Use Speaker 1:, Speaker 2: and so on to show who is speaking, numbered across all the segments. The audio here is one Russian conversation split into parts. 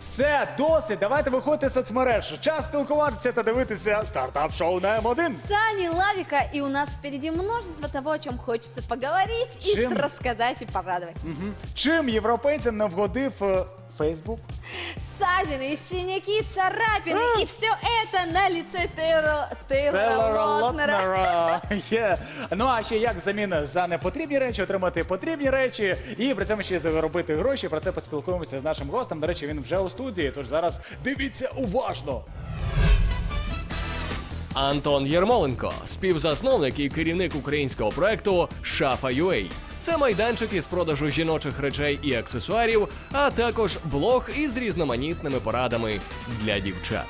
Speaker 1: Все, досить, давайте виходити з соцмереж. Час спілкуватися та дивитися стартап-шоу на М1.
Speaker 2: Сани Лавика, и у нас впереди множество того, о чем хочется поговорить и
Speaker 1: Чем?
Speaker 2: рассказать и порадовать.
Speaker 1: Чим європейцям не вгодив Фейсбук?
Speaker 2: Ссадины, синяки, царапины, и все это на лице Тейлора Лотнера.
Speaker 1: Лотнера. Є. Ну а ще як взамін за непотрібні речі отримати потрібні речі і при цьому ще заробити гроші. Про це поспілкуємося з нашим гостем. До речі, він вже у студії, тож зараз дивіться уважно.
Speaker 3: Антон Єрмоленко, співзасновник і керівник українського проекту Шафа.ua. Це майданчик із продажу жіночих речей і аксесуарів, а також блог із різноманітними порадами для дівчат.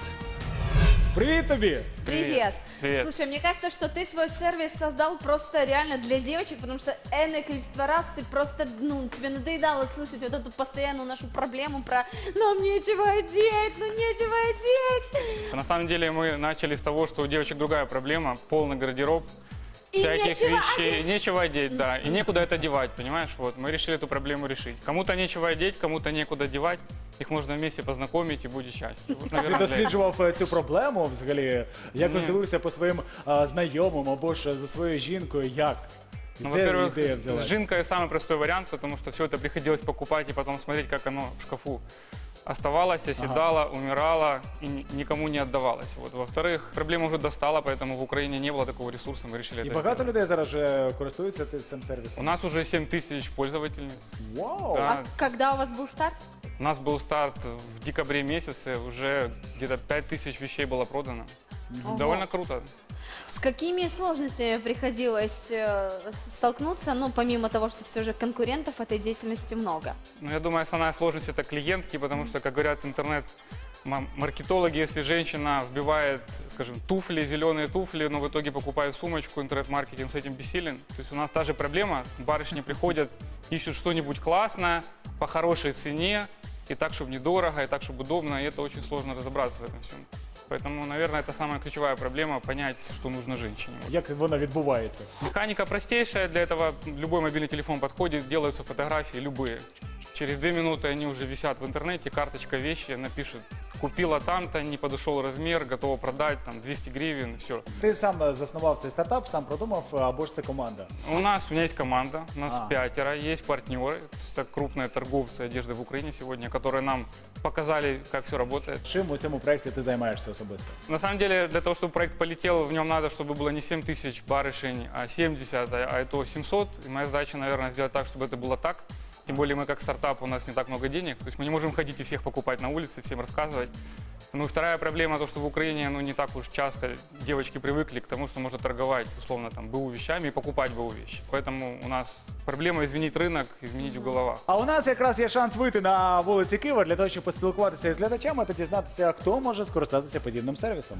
Speaker 1: Привіт тобі!
Speaker 2: Привет.
Speaker 4: Привет.
Speaker 2: Слушай, мне кажется, что ты свой сервис создал просто реально для девочек, потому что энное количество раз ты просто, тебе надоедало слышать вот эту постоянную нашу проблему про «нам нечего одеть, ну нечего одеть».
Speaker 4: На самом деле мы начали с того, что у девочек другая проблема, полный гардероб,
Speaker 2: И
Speaker 4: всяких
Speaker 2: нечего
Speaker 4: вещей, нечего одеть, да, и некуда это девать, понимаешь, вот, мы решили эту проблему решить. Кому-то нечего одеть, кому-то некуда девать, их можно вместе познакомить и будет счастье. Вот,
Speaker 1: Ти
Speaker 4: наверное, для этого.
Speaker 1: досліджував цю проблему взагалі? Якось
Speaker 4: Ні.
Speaker 1: дивився по своїм знайомим або ж за своєю жінкою, як?
Speaker 4: Ну,
Speaker 1: Де ідея
Speaker 4: во-первых,
Speaker 1: взялась?
Speaker 4: с жинкой самый простой вариант, потому что все это приходилось покупать и потом смотреть, как оно в шкафу оставалось, оседало, умирало и никому не отдавалось. Вот. Во-вторых, проблема уже достала, поэтому в Украине не было такого ресурса, мы решили
Speaker 1: І
Speaker 4: это
Speaker 1: багато
Speaker 4: сделать.
Speaker 1: людей зараз вже користуються цим
Speaker 4: У
Speaker 1: сервісом?
Speaker 4: нас уже 7 тысяч пользовательниц.
Speaker 1: Вау!
Speaker 4: Да.
Speaker 2: А когда у вас был старт?
Speaker 4: У нас был старт в декабре месяце, уже где-то 5 тысяч вещей было продано.
Speaker 2: Ого.
Speaker 4: Довольно круто.
Speaker 2: С какими сложностями приходилось столкнуться, ну, помимо того, что все же конкурентов этой деятельности много?
Speaker 4: Но я думаю, основная сложность это клиентки, потому что, как говорят интернет-маркетологи, если женщина вбивает, скажем, туфли, зеленые туфли, но в итоге покупает сумочку, интернет-маркетинг с этим бессилен. То есть у нас та же проблема, барышни приходят, ищут что-нибудь классное, по хорошей цене, и так, чтобы недорого, и так, чтобы удобно, и это очень сложно разобраться в этом всем. Поэтому, наверное, это самая ключевая проблема, понять, что нужно женщине. Вот.
Speaker 1: Як воно відбувається?
Speaker 4: Механика простейшая, для этого любой мобильный телефон подходит, делаются фотографии любые. Через 2 минуты они уже висят в интернете, карточка вещи, напишут, купила там-то, не подошел размер, готова продать, там 200 гривен, все.
Speaker 1: Ти сам заснував цей стартап, сам продумав, або ж це команда?
Speaker 4: У меня есть команда, у нас
Speaker 1: А.
Speaker 4: 5, есть партнеры, то есть это крупные торговцы одежды в Украине сегодня, которые нам показали, как все работает.
Speaker 1: Чим у цьому проєкті ти займаєшся особисто?
Speaker 4: На самом деле, для того, чтобы проект полетел, в нем надо, чтобы было не 7 тысяч барышень, а 70, а это 700. И моя задача, наверное, сделать так, чтобы это было так. Тем более мы как стартап, у нас не так много денег. То есть мы не можем ходить и всех покупать на улице, всем рассказывать. Ну и вторая проблема, то, что в Украине не так уж часто девочки привыкли к тому, что можно торговать, условно, там, БУ вещами и покупать БУ вещи. Поэтому у нас проблема изменить рынок, изменить в головах.
Speaker 1: А у нас якраз є шанс вийти на вулиці Києва для того, щоб поспілкуватися із глядачами та дізнатися, хто може скористатися подібним сервісом.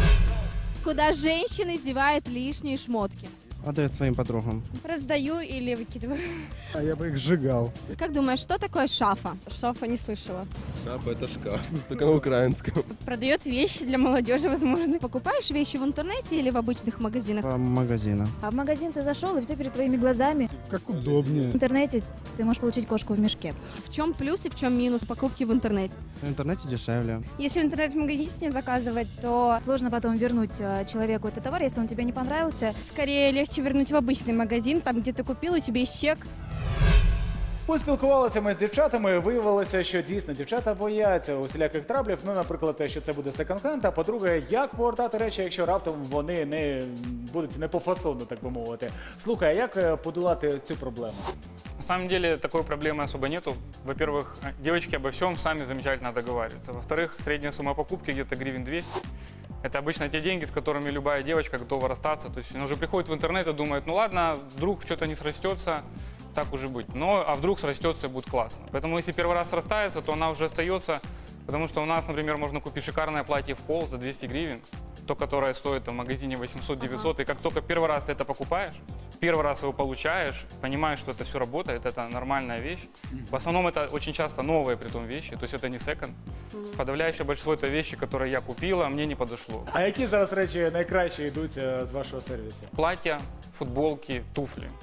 Speaker 5: Куда женщины девают лишние шмотки.
Speaker 6: Отдает своим подругам.
Speaker 5: Раздаю или выкидываю.
Speaker 6: А я бы их сжигал.
Speaker 5: Как думаешь, что такое шафа?
Speaker 7: Шафа не слышала.
Speaker 8: Шафа — это шкаф, только на украинском.
Speaker 7: Продает вещи для молодежи, возможно.
Speaker 5: Покупаешь вещи в интернете или в обычных магазинах?
Speaker 6: По магазинам.
Speaker 9: А в магазин ты зашел, и все перед твоими глазами.
Speaker 6: Как удобнее.
Speaker 9: В интернете ты можешь получить кошку в мешке.
Speaker 5: В чем плюс и в чем минус покупки в интернете?
Speaker 6: В интернете дешевле.
Speaker 7: Если в интернет-магазине заказывать, то
Speaker 9: Сложно потом вернуть человеку этот товар, если он тебе не понравился.
Speaker 7: скорее легче вернуть в обычный магазин, там, где ты купил, у тебя есть чек.
Speaker 1: Поспілкувалися ми з дівчатами, виявилося, що дійсно дівчата бояться усіляких траблів. Ну, наприклад, те, що це буде секонд-хенд, а по-друге, як повертати речі, якщо раптом вони не будуть не по фасону, так би мовити. Слухай, а як подолати цю проблему?
Speaker 4: На самом деле такой проблемы особо нету. Во-первых, девочки обо всем сами замечательно договариваются. Во-вторых, средняя сумма покупки где-то гривен 200. Это обычно те деньги, с которыми любая девочка готова расстаться. То есть она уже приходит в интернет и думает, ну ладно, вдруг что-то не срастется, так уже быть. Но, а вдруг срастется и будет классно. Поэтому если первый раз срастается, то она уже остается. Потому что у нас, например, можно купить шикарное платье в пол за 200 гривен. То, которое стоит там, в магазине 800-900. И как только первый раз ты это покупаешь, первый раз его получаешь, понимаешь, что это все работает, это нормальная вещь. В основном это очень часто новые притом вещи, то есть это не секонд. Подавляющее большинство это вещи, которые я купила, а мне не подошло.
Speaker 1: А які зараз речі найкраще йдуть з вашого сервісу?
Speaker 4: Платья, футболки, туфли.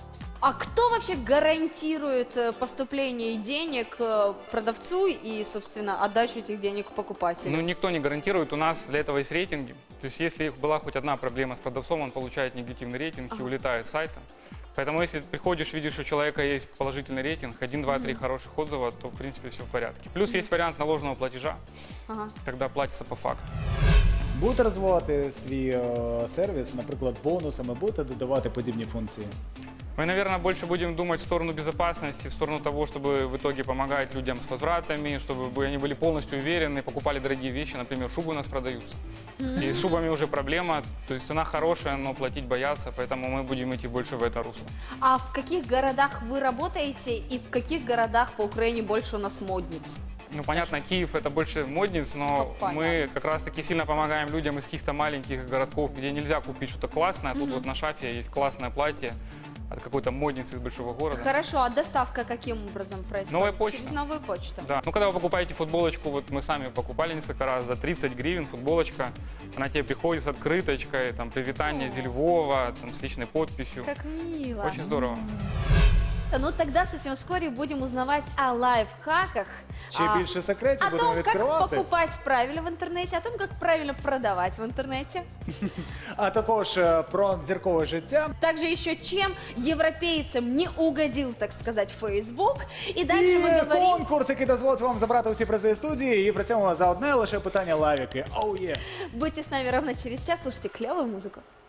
Speaker 2: А кто вообще гарантирует поступление денег продавцу и, собственно, отдачу этих денег покупателю?
Speaker 4: Ну, никто не гарантирует, у нас для этого есть рейтинги. То есть, если была хоть одна проблема с продавцом, он получает негативный рейтинг и улетает с сайта. Поэтому, если ты приходишь, видишь, что у человека есть положительный рейтинг, 1, 2, 3 хороших отзыва, то, в принципе, все в порядке. Плюс есть вариант наложенного платежа,
Speaker 2: Ага.
Speaker 4: когда платится по факту.
Speaker 1: Будете розвивати свій сервіс, наприклад, бонусами, будете додавати подібні функції?
Speaker 4: Мы, наверное, больше будем думать в сторону безопасности, в сторону того, чтобы в итоге помогать людям с возвратами, чтобы они были полностью уверены, покупали дорогие вещи, например, шубы у нас продаются. И с шубами уже проблема, то есть цена хорошая, но платить боятся, поэтому мы будем идти больше в это русло.
Speaker 2: А в каких городах вы работаете и в каких городах по Украине больше у нас модниц?
Speaker 4: Ну, понятно, Киев это больше модниц, но
Speaker 2: Понятно.
Speaker 4: мы как раз-таки сильно помогаем людям из каких-то маленьких городков, где нельзя купить что-то классное. Тут вот на Шафе есть классное платье от какой-то модницы из большого города.
Speaker 2: Хорошо, а доставка каким образом происходит?
Speaker 4: Новая почта.
Speaker 2: Через новую почту.
Speaker 4: Да. Ну, когда вы покупаете футболочку, вот мы сами покупали несколько раз, за 30 гривен футболочка, она тебе приходит с открыточкой, там, привитание зі Львова, там, с личной подписью.
Speaker 2: Как мило.
Speaker 4: Очень здорово.
Speaker 2: Ну тогда совсем вскоре будем узнавать о лайфхаках.
Speaker 1: Чи більше секретів
Speaker 2: О
Speaker 1: будемо
Speaker 2: том, как
Speaker 1: відкривати?
Speaker 2: покупать правильно в интернете, о том, как правильно продавать в интернете.
Speaker 1: А також про зіркове життя.
Speaker 2: Также еще чем европейцам не угодил, так сказать, Facebook. И дальше
Speaker 1: І
Speaker 2: мы говорим...
Speaker 1: конкурс, який дозволить вам забрати усі призи студії, і при цьому за одне лише питання лавіки. Оу є!
Speaker 2: Будьте с нами ровно через час, слушайте клевую музыку.